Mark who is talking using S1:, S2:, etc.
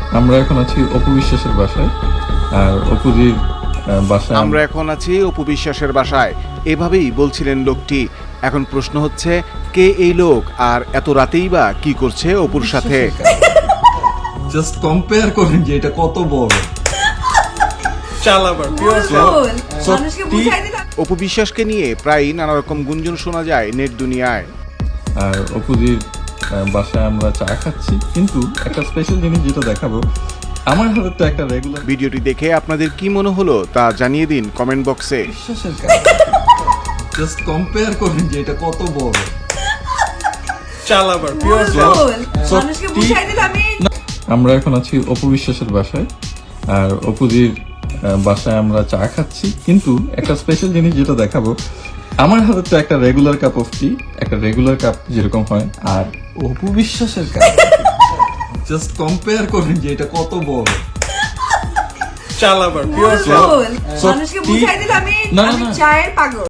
S1: আমরা এখন আছি অপু বিশ্বাসের বাসায়, আর অপুজির বাসায়
S2: আমরা এখন আছি অপু বিশ্বাসের বাসায়, এভাবেই বলছিলেন লোকটি। এখন প্রশ্ন হচ্ছে, কে এই লোক আর এত রাতেই বা কি করছে অপুর সাথে?
S1: জাস্ট কম্পেয়ার করেন যে এটা কত বড়।
S3: মানুষকে বুঝাই দিলাম।
S2: অপু বিশ্বাসকে নিয়ে প্রায় নানা রকম গুঞ্জন শোনা যায় নেট দুনিয়ায়।
S1: আর অপুজির বাসায় আমরা চা খাচ্ছি, কিন্তু একটা স্পেশাল জিনিস যেটা দেখাবো, আমার হাতে তো একটা রেগুলার
S2: ভিডিওটি দেখে আপনাদের কি মনে হলো তা জানিয়ে দিন কমেন্ট বক্সে।
S1: বিশ্বাসের কাজ। জাস্ট কম্পেয়ার করেন যে এটা কত বড়।
S3: মানুষকে বুঝাই দিলাম।
S1: আমরা এখন আছি অপু বিশ্বাসের বাসায়, আর অপুজির বাসায় আমরা চা খাচ্ছি, কিন্তু একটা স্পেশাল জিনিস যেটা দেখাবো, আমার হাতে তো একটা রেগুলার কাপ অফ টি, একটা রেগুলার কাপ যেরকম হয়, আর অপু বিশ্বাসের কাপ। জাস্ট কম্পেয়ার করেন যে এটা কত বড়।
S3: মানুষকে বুঝাই দিলাম।
S1: না, না,
S3: আমি
S1: না।
S3: চায়ের পাগল।